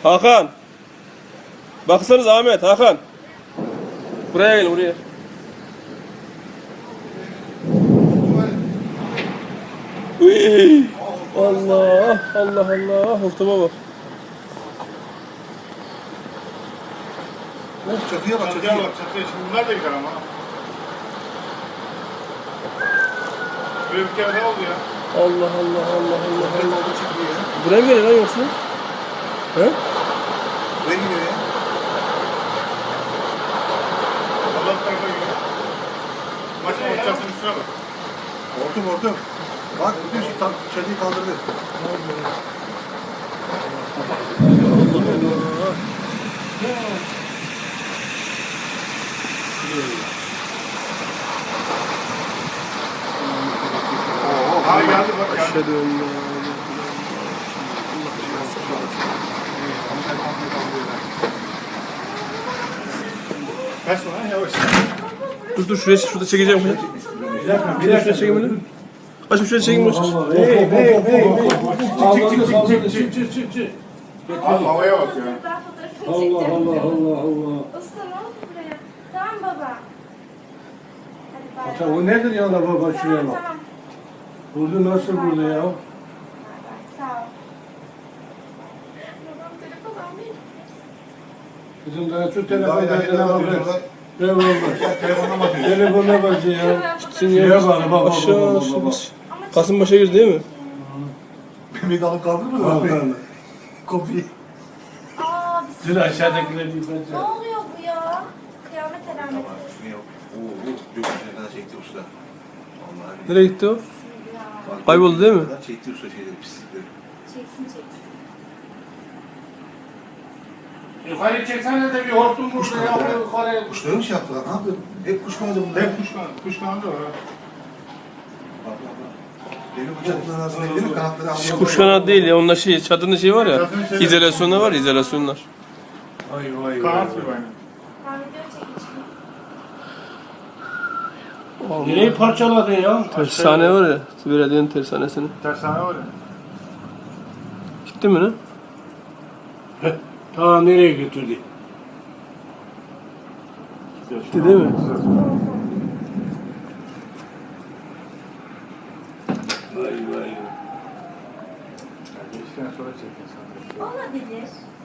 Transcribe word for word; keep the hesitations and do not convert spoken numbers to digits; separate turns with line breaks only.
Hakan. Baksanız Ahmet, Hakan. Buraya gel, buraya. Uy. Allah, Allah, Allah. Hortuma bak.
Oh, çatıya bak,
Çatıya bak, çatıya. Şimdi bunlar da gider ama. Böyle bir kere daha oldu ya.
Allah, Allah, Allah, Allah, Allah.
Orada çıkıyor ya.
Buraya mı geliyor lan yoksa? He?
Buraya gidiyor ya.
Allah tarafa gidiyor. Maçın ortasının üstüne bak.
Hortum hortum. Bak bütün şey tam çatıyı kaldırdı.
Ha geldi bak geldi.
Aşağı dön.
Kaçma lan yavaş.
Dur dur şuraya şurada çekeceğim.
Bir dakika, bir
Şuraya şuraya çekeyim öyle. Açım şuraya çekeyim boş.
Hey hey hey hey. Çık çık çık çık çık çık çık. Abi havaya bak ya.
Ben fotoğrafını
Allah
çekeceğim.
Allah Allah Allah.
Usta ne oldu buraya? Tamam baba. Hadi bay
Ata
bay.
o nedir ya la baba şuraya
Tamam
bak.
tamam.
Burada nasıl burada ya?
Bay bay. Sağ ol. Babam telefon almayayım.
Bizim daha şu
Daha
telefon
ileride
telefona bak.
bakıyorlar.
Ne olmaz.
Telefona bakıyor.
Telefona bak ya.
Gitsin
Şuraya
ya.
bak baba
Aşağı
baba
aşağı.
baba.
Ama
Kasımpaşa girdi değil mi?
Beni de alıp kaldırır mı?
Bak lan.
Kopya.
Aa bir
Dur aşağıdakileri bir
Ne
bence.
oluyor bu ya? Kıyamet alameti.
Oo, gökyüzüne kadar çekti usta. Vallahi.
Nereye gitti o?
Ya.
Bak,
Kayboldu değil mi?
gökyüzüne kadar çekti usta şeyleri, pislikleri.
Çeksin çeksin.
Yukarı çeksene de bir hortum burada ya. Yukarı.
Kuşları mı şey yaptılar? Ne yaptı? Hep kuş kanadı bunlar.
Hep kuş kanadı. Kuş kanadı var ha.
Bak bak bak. Demir bıçakların arasında değil mi? Kanatları havada.
Kuş kanadı değil ya. Onlar şey, çadırın şey var ya.
Çadırın şeyi-
İzolasyonlar var, izolasyonlar.
Vay vay
Kanat
vay.
gibi aynı.
Ben video çekeceğim.
Nereyi parçaladın ya?
Tersane var ya. Belediyenin tersanesini.
Tersane var ya.
Gitti mi ne?
Ta nereye götürdü?
Gitti değil mi?
Vay vay.
Geçtikten sonra çekeceğiz.
Olabilir.